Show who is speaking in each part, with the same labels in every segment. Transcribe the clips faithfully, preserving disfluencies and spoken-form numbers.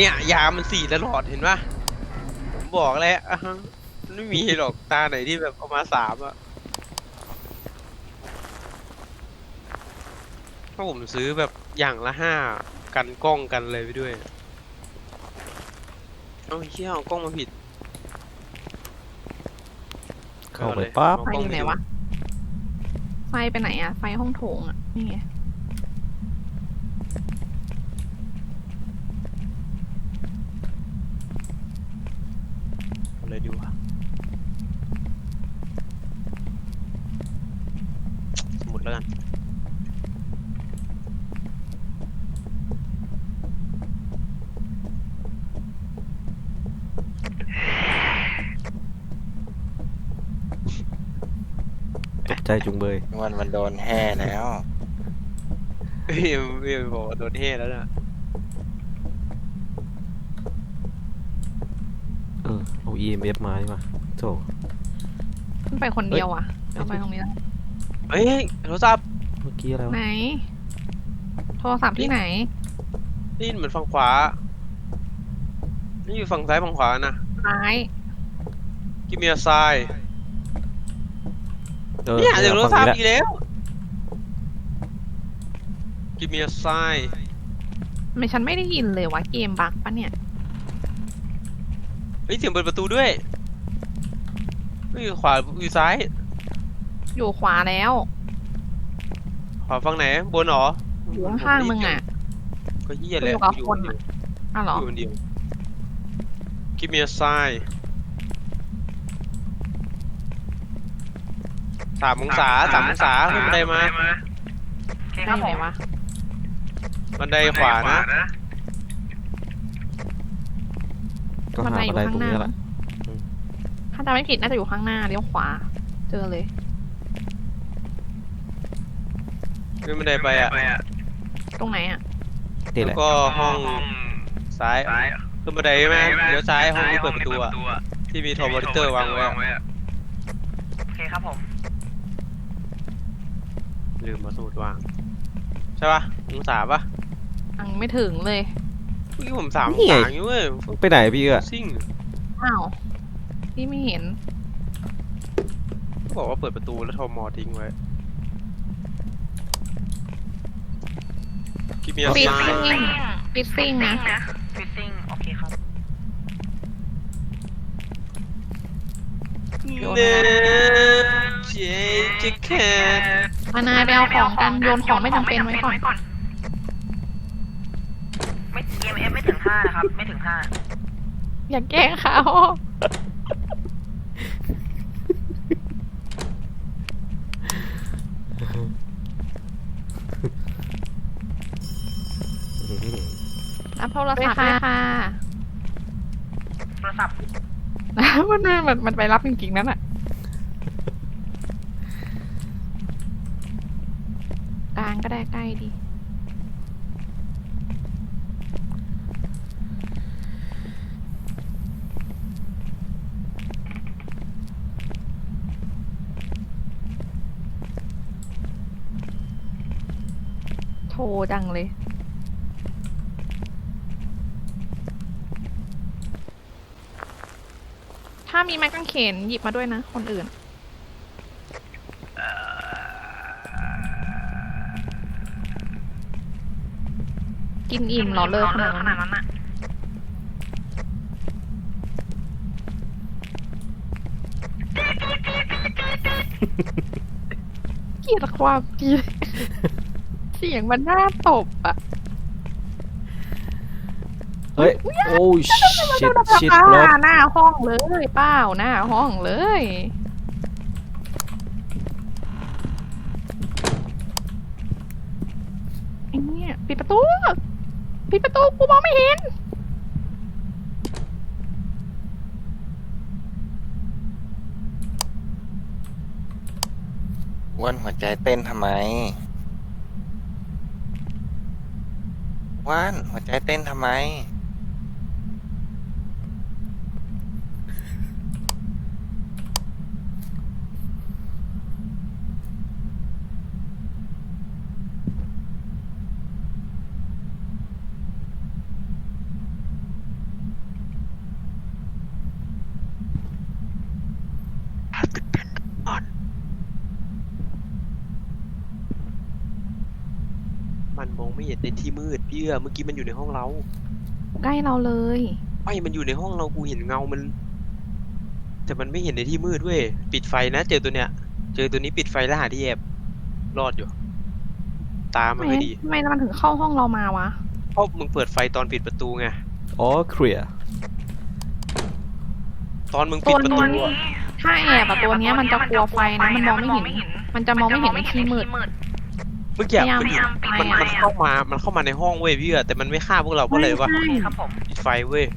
Speaker 1: เนี่ยยามันสี่ตลอดเห็นปะผมบอกแล้วอ่ะฮะมันไม่มีหรอกตาไหนที่แบบเอามาสามอะถ้าผมซื้อแบบอย่างละห้ากันกล้องกันเลยไปด้วยเอาเชี่ยเอากล้องมาผิด
Speaker 2: เข้าไปปั๊บ
Speaker 3: ไฟอยู่ไหนวะไฟไปไหนอะไฟห้องโถงอะนี่ไง
Speaker 1: เอาเลยดีกว่าสมุดแล้วกัน
Speaker 2: ตกใจจุงเบย
Speaker 4: วันมันโดนแห่แล้ว
Speaker 1: พี่พี่บอกว่าโดนเฮแล้วนะ
Speaker 2: เออเอา อี เอ็ม เอฟ มาดีกว่าโธ่
Speaker 3: ขึ้นไปคนเดียวอะเอาไปตรงนี้แล้ว
Speaker 1: เฮ้ยโทรศัพท์
Speaker 2: เมื่อกี้อะไรวะ
Speaker 3: ไหนโทรศัพท์ที่ไหน
Speaker 1: นี่เหมือนฝั่งขวานี่อยู่ฝั่งซ้ายฝั่งขวานะ
Speaker 3: ซ้าย
Speaker 1: กิมเมียไซ
Speaker 2: เออ
Speaker 1: เนี่ยเดี๋ยวโทรศัพท์
Speaker 2: ฝั่ง
Speaker 1: อี
Speaker 2: นี้แหละ
Speaker 1: กแล้วกิมเมียไซ
Speaker 3: ทำไมฉันไม่ได้ยินเลยวะเกมบั๊กปะเนี่ย
Speaker 1: เฮ้ยเสียงเปิดประตูด้วยไม่อยู่ขวาอยู่ซ้าย
Speaker 3: อยู่ขวาแล้ว
Speaker 1: ขวาฝั่งไหนบนเหรอ
Speaker 3: อยู่ข้างๆมึงอะ
Speaker 1: ก็เหี้ยแหละ
Speaker 3: อยู่กับ
Speaker 1: อยู่
Speaker 3: คน
Speaker 1: เดียว
Speaker 3: อะ อ้าวเหรอ
Speaker 1: อยู่คนเดียวกิมเมียไซสามองศาสามองศาขึ้นบันไดมา
Speaker 3: ได้อยู่ไหนวะ
Speaker 1: บันไดขวานะ
Speaker 2: ก็
Speaker 3: บัน
Speaker 2: หา
Speaker 3: ไดอยู่
Speaker 2: บันได
Speaker 3: ข้า
Speaker 2: ตรง ง
Speaker 3: หน้า
Speaker 2: นี้แหละ
Speaker 3: ถ้าจำไม่ผิดน่าจะอยู่ข้างหน้าเลี้ยวขวา เจอเลย
Speaker 1: ขึ้นบันไดไปอ่ะ
Speaker 3: ตรงไหนอะ
Speaker 2: นี่แห
Speaker 1: แล้
Speaker 2: ละ
Speaker 1: วก็ห้องซ้ายขึ้นบันไดใช่ไหมเลี้ยวซ้ายห้องที่เปิดประตูอ่ะที่มีโทรมอนิเตอร์วางไว้อะ
Speaker 5: โอเคครับผม
Speaker 1: ลืมมาสูตรวางใช่ปะองศาปะ
Speaker 3: ยังไม่ถึงเลย
Speaker 1: เมื่อกี้ผมสามองศาอยู่เว้ย
Speaker 2: ไปไหนพี่เอื้อ
Speaker 1: ซิ่ง
Speaker 3: อ้าวพี่ไม่เห็น
Speaker 1: เขาบอกว่าเปิดประตูแล้วโทรมอทิ้งไว้กิมเมีย
Speaker 3: ปิด
Speaker 1: ไซ
Speaker 3: ซิ่งปิดซิ่งนะ
Speaker 5: ฟิตติ้งโอเคครับ
Speaker 1: เนเจจะแค่
Speaker 3: มานายไปเอาของกันโยนของไม่จำเป็นไว้ก่อน
Speaker 5: ไม่ อี เอ็ม เอฟ ไม่ถึงห้านะครับ ไม่ถึงห้า
Speaker 3: อย่าแกล้งเขา รับโทรศัพท์เลยค่ะ
Speaker 5: โทรศัพท์
Speaker 3: มันมันมันไปรับจริงๆนั่นแหะกลางก็ได้ใกล้ดี โทรจังเลย ถ้ามีไม้กางเขนหยิบมาด้วยนะ คนอื่น กินอิ่มเหรอเลิกขนาด
Speaker 5: ข
Speaker 3: นั้น
Speaker 5: นาด
Speaker 3: อะ
Speaker 5: นั้นอะ
Speaker 3: เกลียดความกรีด เสียงมันน่าตบอะ
Speaker 2: เฮ้ยโอ้ชิดชิด
Speaker 3: ป้าร
Speaker 2: ถ
Speaker 3: หน้าห้องเลยเป้าหน้าห้องเลยไอ้เนี่ยปิดประตูปิดประตูกูมองไม่เห็น
Speaker 4: วันหัวใจเต้นทำไมวันหัวใจเต้นทำไม
Speaker 1: ไม่เห็นในที่มืดพี่เอื้อเมื่อกี้มันอยู่ในห้องเรา
Speaker 3: ใกล้เราเลย
Speaker 1: ไม่มันอยู่ในห้องเรากูเห็นเงามัน แต่มันไม่เห็นในที่มืดเว้ยปิดไฟนะเจอตัวเนี้ยเจอตัวนี้ปิดไฟแล้วหาที่แอบรอดอยู่ ตามันไม่ดี
Speaker 3: ทำไมมันถึงเข้าห้องเรามาวะ
Speaker 1: เพราะมึงเปิดไฟตอนปิดประตูไง
Speaker 2: อ๋อเคลียร์
Speaker 1: ตอนมึงปิดประตูอะ
Speaker 3: ถ้าแอบอะตัวเนี้ยมันจะกลัวไฟนะมันมองไม่เห็น มันจะมองไม่เห็นในที่มืด
Speaker 1: เมื่อกี้
Speaker 3: พยายาม
Speaker 1: มันอยู่
Speaker 3: ปิด
Speaker 1: มัน
Speaker 3: ไฟ
Speaker 1: มันเข้ามา มันเข้ามาในห้องเว้ยพี่เอื้อแต่มันไม่ฆ่าพวกเราเพราะอะไรวะ
Speaker 3: ใช่
Speaker 5: ครับผม
Speaker 1: ปิดไฟเว้ย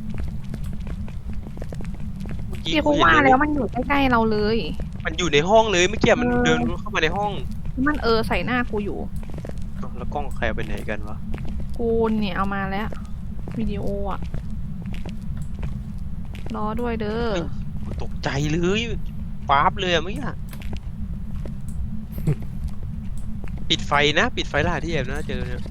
Speaker 1: เมื่อกี้
Speaker 3: พี่
Speaker 1: กู
Speaker 3: กู
Speaker 1: เห็น
Speaker 3: ว่า
Speaker 1: เลย
Speaker 3: แล้วมันอยู่ใกล้ๆเราเลย
Speaker 1: มันอยู่ในห้องเลยเมื่อกี้มัน
Speaker 3: เออ
Speaker 1: เดินเข้ามาในห้อง
Speaker 3: มันเออใส่หน้ากูอยู่
Speaker 1: อ้าวแล้วกล้องใครเอาไปไหนกันวะ
Speaker 3: กูเนี่ยเอามาแล้ว วิดีโออะรอด้วยเด้อ
Speaker 1: ตกใจเลยฟ้าบเลยอะเมื่อกี้อะ ปิดไฟนะ ปิดไฟล่าที่แอบนะเจอเนี่ย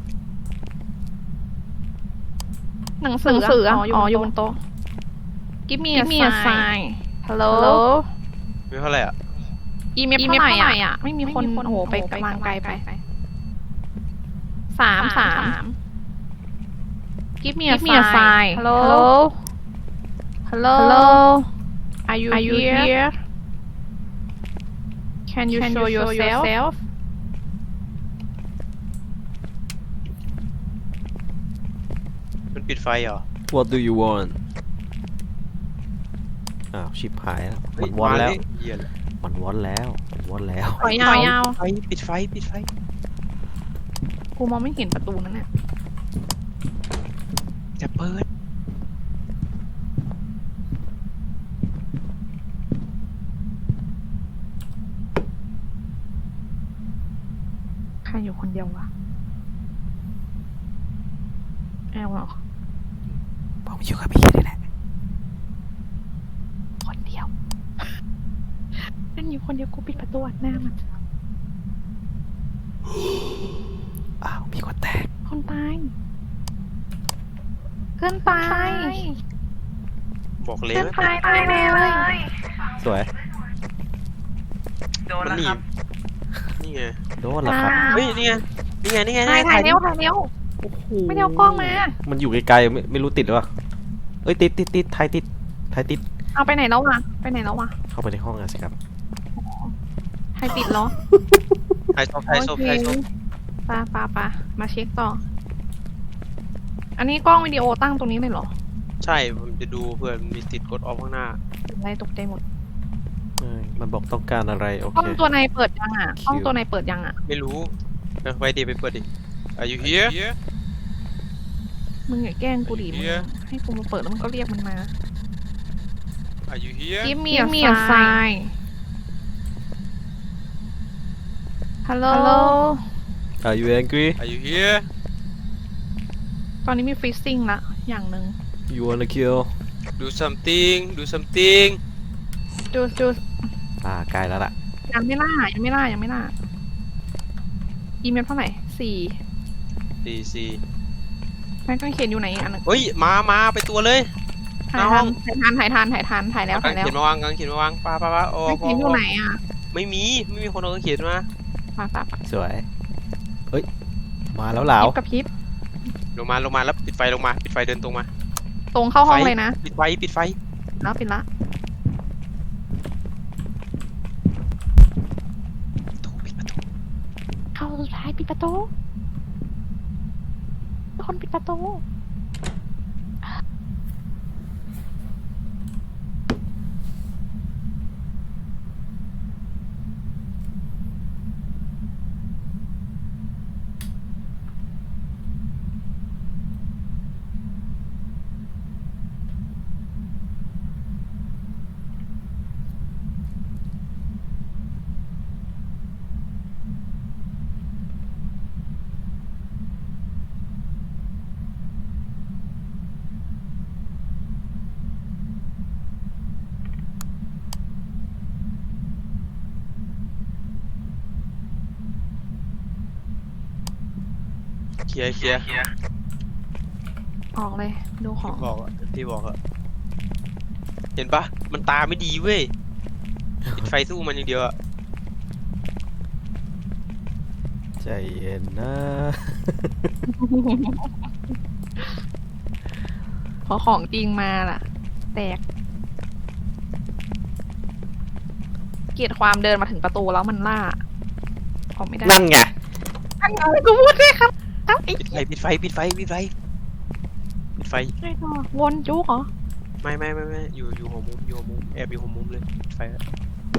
Speaker 3: หนังสืออะอ๋ออยู่บนโต๊ะ Give me a sign Hello
Speaker 1: ไม่เท่าไหร่อ่ะ
Speaker 3: อีเมลเท่าไหร่อ่ะ ไม่มีคนโอ้โหไปกำลังไกลไปสามสาม Give me a sign Hello Hello Are you here Can you show yourself
Speaker 1: มันปิดไฟเหรอ
Speaker 2: What do you want อ้าวชิบหายแล้วมันวอนแล้ว
Speaker 1: เฮ้ยมาเหี้ยเลย
Speaker 2: มันวอนแล้วมันวอนแล้ว
Speaker 3: ถอยยาว
Speaker 1: ไฟปิดไฟปิดไฟ
Speaker 3: กูมองไม่เห็นประตูนั้นน่ะ
Speaker 1: จะเปิด
Speaker 3: ใครอยู่คนเดียววะแอลเหรอ
Speaker 2: ผมอยู่กับพี่นี่แหละ
Speaker 3: คนเดียว นั่นอยู่คนเดียวกูปิดประตูอัดหน้ามัน
Speaker 2: อ้าวมีคนแตก
Speaker 3: คนตายเพื่อนตาย
Speaker 1: บอกเลย
Speaker 3: เพื่อน
Speaker 1: นะ
Speaker 3: ตายตายเลย
Speaker 2: สวย
Speaker 5: โดน
Speaker 1: มัน
Speaker 5: แล้ว
Speaker 1: หนี
Speaker 5: ครับ
Speaker 1: บนี่ไง
Speaker 2: โดนแล้วครับ
Speaker 1: เฮ้ยนี่ไงนี่ไงนี่ไง
Speaker 3: ถ่ายถ่ายเร็ว
Speaker 1: ดิ
Speaker 3: ถ่ายเร็ว
Speaker 2: โอ้โห
Speaker 3: ไม่ได้เอากล้องมา
Speaker 2: มันอยู่ไกลๆไม่ไม่รู้ติดหรือเปล่าเอ้ยติดติดติดไทยติดไทยติด
Speaker 3: เอาไปไหนแล้ววะไปไหนแล้ววะ
Speaker 2: เข้าไปในห้องอะสิครับ
Speaker 3: ใครติดเหรอ
Speaker 1: ถ่ายศพถ่ายศพถ่ายศพ
Speaker 3: ปาปาปามาเช็คต่อ อันนี้กล้องวิดีโอตั้งตรงนี้เลยเหรอ
Speaker 1: ใช่ผมจะดูเพื่อนมีติดกดออฟข้างหน้า
Speaker 3: อะไรตกใจหมด
Speaker 2: เอ้ยมันบอกต้องการอะไรโอก
Speaker 3: ล้อ
Speaker 2: เค
Speaker 3: งตัวในเปิดยังอ่ะ
Speaker 2: คิว
Speaker 3: กล้องตัวในเปิดยังอ่ะ
Speaker 1: ไม่รู้เออไปดิไปเปิดดิ Are you here
Speaker 3: มึงอย่าแกล้งกูดิมึง
Speaker 1: เหี้ย
Speaker 3: ให้กูมาเปิดแล้วมันก็เรียกมันมา
Speaker 1: Are you here
Speaker 3: Give me a sign Hello
Speaker 2: Are you angry
Speaker 1: Are you here
Speaker 3: ตอนนี้มีฟรีซิ่งละอย่างหนึ่ง
Speaker 2: You wanna kill
Speaker 1: Do something Do something
Speaker 3: จูจู
Speaker 2: อ่าใกล้แล้วล่ะ
Speaker 3: ยังไม่ล่ายังไม่ล่ายังไม่ล่าอีเมลเท่าไหร่สี่
Speaker 1: สี่สี่
Speaker 3: แม่งก็เขียนอยู่ไหนอีกอันหนึง
Speaker 1: เฮ้ยมามาไปตัวเลย
Speaker 3: ถ่าย
Speaker 1: น้
Speaker 3: ทั
Speaker 1: อง
Speaker 3: นถ่ายทันถ่ายทันถ่ายทันถ่ายแล้ว
Speaker 1: เอากา
Speaker 3: ถ่าง ยแล้ว
Speaker 1: เขียนมาวางกางเขียนมาวางป้าป้าป้าโอ้
Speaker 3: ไม่
Speaker 1: พอ
Speaker 3: เขียนอยู่ไหนอ่ะ
Speaker 1: ไม่มีไม่มีคนเอากางเขียนมา
Speaker 3: มาตับ
Speaker 2: สวยเฮ้ยมาแล้วเหลา
Speaker 3: พริบกับพริบ
Speaker 1: ลงมาลงมาแล้วปิดไฟลงมาปิดไฟเดินตรงมา
Speaker 3: ตรงเข้าห้อง
Speaker 1: ไฟ
Speaker 3: เลยนะ
Speaker 1: ปิดไฟปิดไฟ
Speaker 3: แล้วปิดละ
Speaker 1: ประตูปิดประตู
Speaker 3: เข้าสุดท้ายปิดประตูคนปิดประตู
Speaker 1: เคลียร์เคลียร์
Speaker 3: ออกเลยดูของ
Speaker 1: บอกอะที่บอกอะเห็นปะมันตาไม่ดีเว้ยปิดไฟสู้มันอย่างเดียวอะ
Speaker 2: ใจเย็นนะ
Speaker 3: พอของจริงมาล่ะ แตก เกลียดความเดินมาถึงประตูแล้วมันล่าออกไม่ได้
Speaker 2: นั่นไง
Speaker 3: อันนี้กูพูดด้วยครับครับไอ้
Speaker 1: ปิดไฟปิดไฟปิดไฟปิดไฟปิดไฟ
Speaker 3: ไอ้ตัววนจุกเหรอ
Speaker 1: ไม่ไม่ไม่ไม่อยู่อยู่หัวมุมอยู่หัวมุมแอบอยู่หัวมุมเลยปิดไฟแล้ว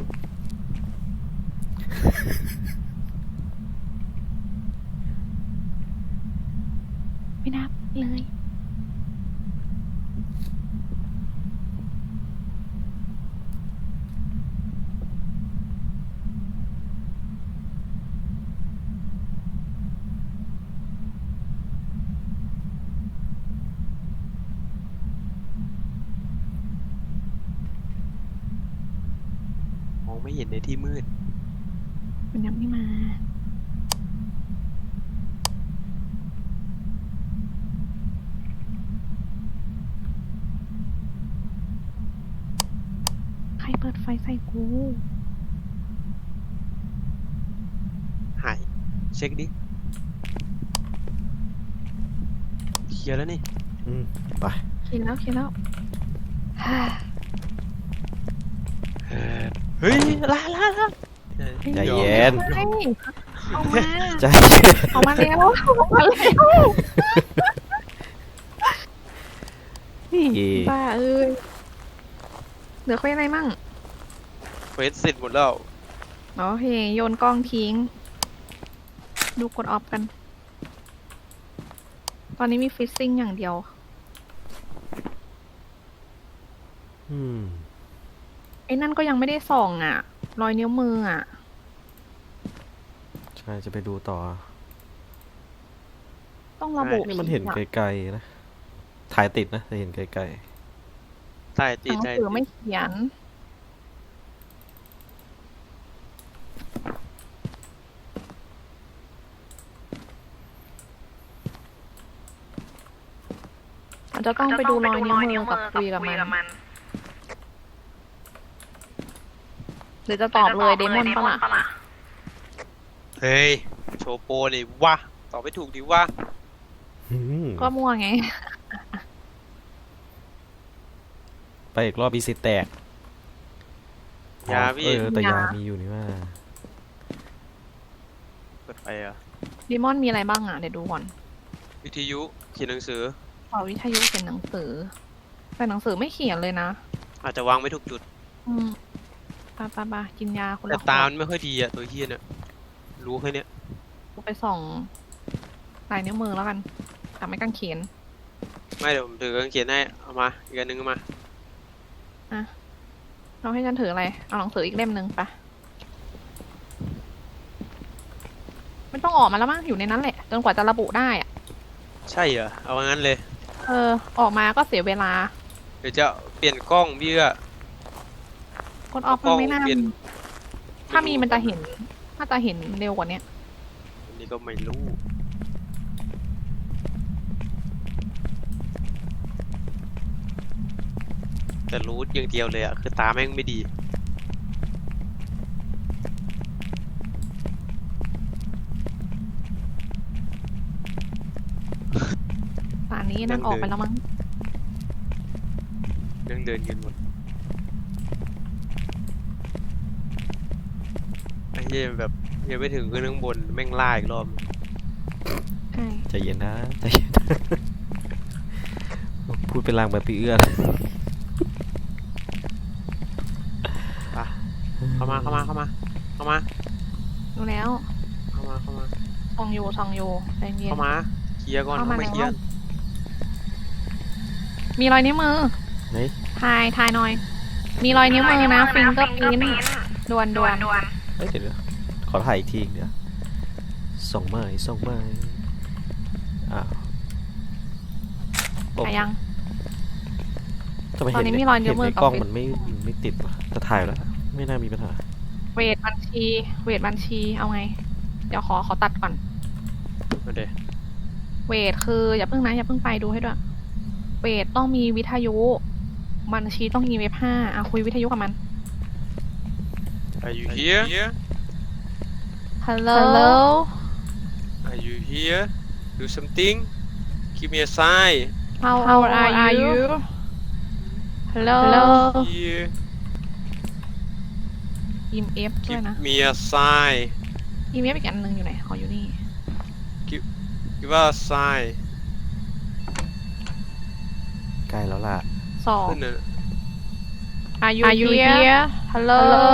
Speaker 3: ไม่นับเลย
Speaker 1: มองไม่เห็นในที่มืด
Speaker 3: มันยังไม่มา ใครเปิดไฟใส่กู
Speaker 1: หายเช็คดิเคลียร์แล้วนี่
Speaker 2: อืมไป
Speaker 3: คิดแล้วคิดแล้ว
Speaker 1: เออเฮ้ยลาลาลา
Speaker 2: ใจเย็น
Speaker 3: เฮ้ยเอามา
Speaker 2: ใจ
Speaker 3: เอามาแล้วเอามาแล้ว
Speaker 2: นี่
Speaker 3: บ้าเอ้ยเหลือเควสอะไรมั่ง
Speaker 1: เควสเสร็จหมดแล้ว
Speaker 3: โอเคโยนกล้องทิ้ง ดูกดออฟกัน ตอนนี้มีฟิซซิ่งอย่างเดียว
Speaker 2: อืม
Speaker 3: ไอ้นั่นก็ยังไม่ได้ส่องอ่ะ รอยนิ้วมืออ่ะ
Speaker 2: ใช่จะไปดูต่อ
Speaker 3: ต้องระบุ
Speaker 2: นี่มันเห็น
Speaker 3: อะ
Speaker 2: ไกลๆนะ ถ่ายติดนะแต่เห็นไกล
Speaker 1: ใต้
Speaker 3: ห
Speaker 1: ตี
Speaker 3: นัง
Speaker 1: ใต้
Speaker 3: สือไม่เขียน อาจจะต้องไปดูรอยนิ้วมือกับคุยกับมัน หรือจะตอบเลยเดมอนปะล่ะ
Speaker 1: เฮ้ยโชว์โปรนี่วะตอบไม่ถูกดิวะ
Speaker 2: ๆอืม
Speaker 3: ก็มั่วไง
Speaker 2: ไปอีกรอบอีสิแตก
Speaker 1: ยาพี่
Speaker 2: เออแต่ยาย
Speaker 3: า
Speaker 2: มีอยู่นี่ว่า
Speaker 1: เปิดไฟอ่ะ
Speaker 3: เดมอนมีอะไรบ้างอ่ะ เดี๋ยวดูก่อน
Speaker 1: วิทยุเขียนหนังสือ
Speaker 3: ขอวิทยุเขียนหนังสือ แต่หนังสือไม่เขียนเลยนะ
Speaker 1: อาจจะวางไม่ถูกจุด
Speaker 3: อืมปาปาปากินยาคน
Speaker 1: แต่
Speaker 3: ละข
Speaker 1: ตาว มันไม่ค่อยดีอ่ะตัวเฮียเนี่ยรู้แค่เนี้ย
Speaker 3: ดไปส่องลายนิ้วมือแล้วกันแต่ไม่กางเขน
Speaker 1: ไม่เดี๋ยวผมถือกางเขียนให้เอามาอีกอันหนึงเอามา
Speaker 3: เราให้ฉันถืออะไร เอาหนังสืออีกเล่มหนึ่งปะไม่ต้องออกมาแล้วมั้งอยู่ในนั้นแหละจนกว่าจะระบุได้อะ
Speaker 1: ใช่เหรอเอางั้นเลย
Speaker 3: เออ ออกมาก็เสียเวลา
Speaker 1: เดี๋ยวจะเปลี่ยนกล้องพี่ก็
Speaker 3: กดออฟมันไม่น่า
Speaker 1: เปลี่ยน
Speaker 3: มีถ้ามีมันจะเห็น ถ้าจะเห็นเร็วกว่านี้
Speaker 1: อันนี้ก็ไม่รู้แต่รู้อย่างเดียวเลยอ่ะคือตาแม่งไม่ดี
Speaker 3: ป่านนี้นั่นออกไปแล้วมั้ง
Speaker 1: ยังเดินกันหมดไอ้เหี้ยแบบยังไม่ถึงขึ้นข้างบนแม่งล่าอีกรอบ
Speaker 3: ใช่
Speaker 2: ใจเย็นนะใจเย็น พูดเป็นลางแบบปีเอื้อน
Speaker 1: เข้ามาเข้ามาเข้ามาเข้ามา
Speaker 3: ดูแล้ว
Speaker 1: เข้ามาเข้ามา
Speaker 3: ส่องอยู่ส่องอยู่ใจเย็น
Speaker 1: เข้ามาเคลียร์ก่อน
Speaker 3: เข้า
Speaker 1: เข้า
Speaker 3: มา
Speaker 1: มาเคลียร์
Speaker 3: แล้ว มีรอยนิ้วมือ
Speaker 2: ไหน
Speaker 3: ทายทายหน่อย มีรอยนิ้วมือนะฟิงเกอร์พิ้นดวนดวน
Speaker 2: เฮ้ยเดี๋ยวเดี๋ยวขอถ่ายอีกทีเดี๋ยวส่งไม้ส่งไม้อ้าวโอ้
Speaker 3: ถ่ายยัง
Speaker 2: ทำไม
Speaker 3: ตอน
Speaker 2: เห็น
Speaker 3: นี้
Speaker 2: ใน
Speaker 3: มีรอยนิ้
Speaker 2: เห็
Speaker 3: วน มือ
Speaker 2: ใน
Speaker 3: กับ
Speaker 2: กล้อง
Speaker 3: เฟซ
Speaker 2: มันไม่ไม่ติดวะจะถ่ายแล้ว ไม่น่ามีปัญหา
Speaker 3: เวทบัญชี เวทบัญชีเอาไง เดี๋ยวขอขอตัดก่อน
Speaker 1: มาเดี๋ยว
Speaker 3: เวทคืออย่าเพิ่งนะอย่าเพิ่งไปดูให้ด้วย เวทต้องมีวิทยุ บัญชีต้องมีเว็บห้าอ่ะคุยวิทยุกับมัน
Speaker 1: Are you here
Speaker 3: Hello
Speaker 1: Are you here do something give me a sign
Speaker 3: How old are you Hello
Speaker 1: here
Speaker 3: E M F ด้วย
Speaker 1: give
Speaker 3: นะ
Speaker 1: me a sign
Speaker 3: E M F อีกอันหนึงอยู่ไหนอ๋ออยู่นี่
Speaker 1: give us a sign
Speaker 2: ใกล้แล้วล่ะ
Speaker 3: สอง
Speaker 1: ขึ้นน่ะ
Speaker 3: Are you, Are you here? here? Hello? Hello?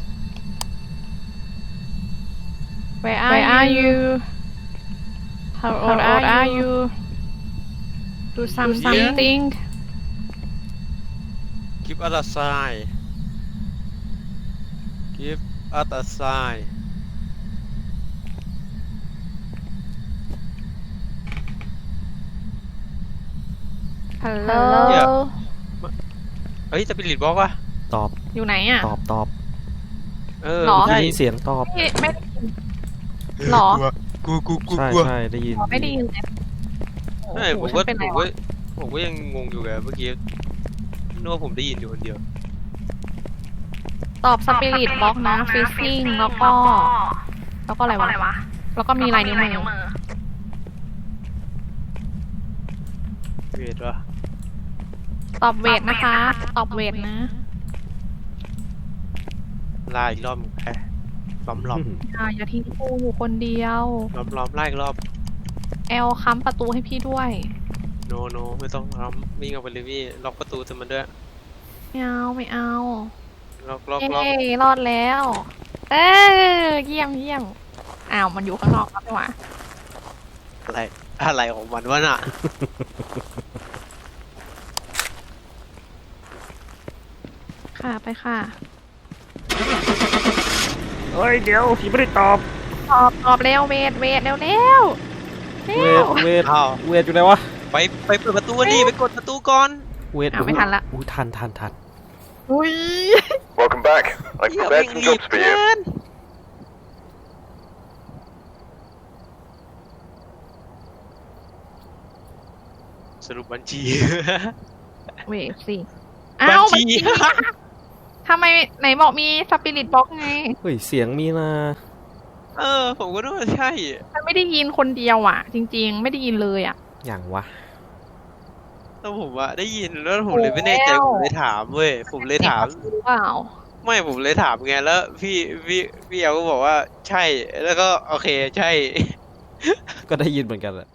Speaker 3: Where are, Where are you? How old, How old are you? Do some,
Speaker 1: here?
Speaker 3: something.
Speaker 1: give us a sign give us a sign
Speaker 3: Hello?
Speaker 1: เฮ้ยสปิริตบล็อกอะ
Speaker 2: ตอบ
Speaker 3: อยู่ไหนอ่ะ
Speaker 2: ตอบตอบ
Speaker 1: เออ
Speaker 3: หรอ
Speaker 1: ใช่
Speaker 2: ได้ยินเสียงตอบ
Speaker 3: ไม่ไม่ได้ยินหรอ
Speaker 1: กูกูกู
Speaker 2: ใช่
Speaker 1: กลัว
Speaker 2: ใช่ได้ยิน
Speaker 3: ไม่ได้ยินเลยโอ้
Speaker 1: ใช่
Speaker 3: โห
Speaker 1: ผม
Speaker 3: ฉั
Speaker 1: ก็
Speaker 3: นเป็น
Speaker 1: ผ
Speaker 3: ไร
Speaker 1: มก็
Speaker 3: วะ
Speaker 1: ผมก็ยังงงอยู่ไงเมื่อกี้นึกว่าผมได้ยินอยู่คนเดียว
Speaker 3: ตอบสปิริตบล็อกนะฟิซซิ่งแล้วก็ แล้วก็อะไรวะ แล้วก็มีลายนิ้วมือ
Speaker 1: เวทวะ
Speaker 3: ตอบเวทนะคะ ตอบเวทนะ
Speaker 1: ไล่อีกรอบแค่ล้อมล้อม
Speaker 3: อย่าอย่าทิ้งกูอยู่คนเดียว
Speaker 1: ล้อมล้อมไล่อีกรอบ
Speaker 3: แอลค้ำประตูให้พี่ด้วย
Speaker 1: โนโนไม่ต้องล้อมวิ่งออกไปเลยพี่ล็อกประตูเต็มมันด้วย
Speaker 3: ไม่เอาไม่เอา
Speaker 1: ล็อกล็อก
Speaker 3: เอ้
Speaker 1: ล็อก
Speaker 3: ยรอดแล้ว เออเยี่ยมเยี่ยมอ้าวมันอยู่ข้างนอกแล้วใช่ไหม
Speaker 1: อะไรอะไรของมันวะน่ะ
Speaker 3: ค่ะไปค่ะ
Speaker 2: เฮ้ยเดี๋ยวพี่ไม่ได้ตอบ
Speaker 3: ตอบตอบเร็วเวทเวทเร็วเร็วเร็
Speaker 2: เว
Speaker 3: ว
Speaker 2: ทเวท
Speaker 1: อ้าว
Speaker 2: เวทอยู่ไหนวะ
Speaker 1: ไปไปเปิดประตูดิไปกดประตูก่อน
Speaker 2: เวท
Speaker 3: อ้าวไม่ทันละ
Speaker 2: อุ้ยทันทันทัน
Speaker 3: อุ้ย
Speaker 6: Welcome back. I've
Speaker 1: เหี้ย
Speaker 6: prepared
Speaker 1: แม่ง
Speaker 6: some
Speaker 1: รีบ
Speaker 6: jobs for
Speaker 1: เกิ
Speaker 6: you.
Speaker 1: นสรุปบัญชี
Speaker 3: เวทสิอ้าว
Speaker 1: บัญชี
Speaker 3: ทำไมไหนบอกมีสปิริตบ็อกไง
Speaker 2: เฮ้ยเสียงมีนะ
Speaker 1: เออผมก็นึกว่าใช่
Speaker 3: มันไม่ได้ยินคนเดียวอ่ะ จริง ๆ ไม่ได้ยินเลยอ่ะ
Speaker 2: อย่างวะ
Speaker 1: แล้วผมอะได้ยินแล้วผมเลยไม่แน่ใจผมเลยถามเว้ยผมเลยถาม
Speaker 3: หรือเปล่า
Speaker 1: ไม่ผมเลยถามไงแล้วพี่พี่พี่เอลก็บอกว่าใช่แล้วก็โอเคใช่
Speaker 2: ก็ได้ยินเหมือนกันแหละ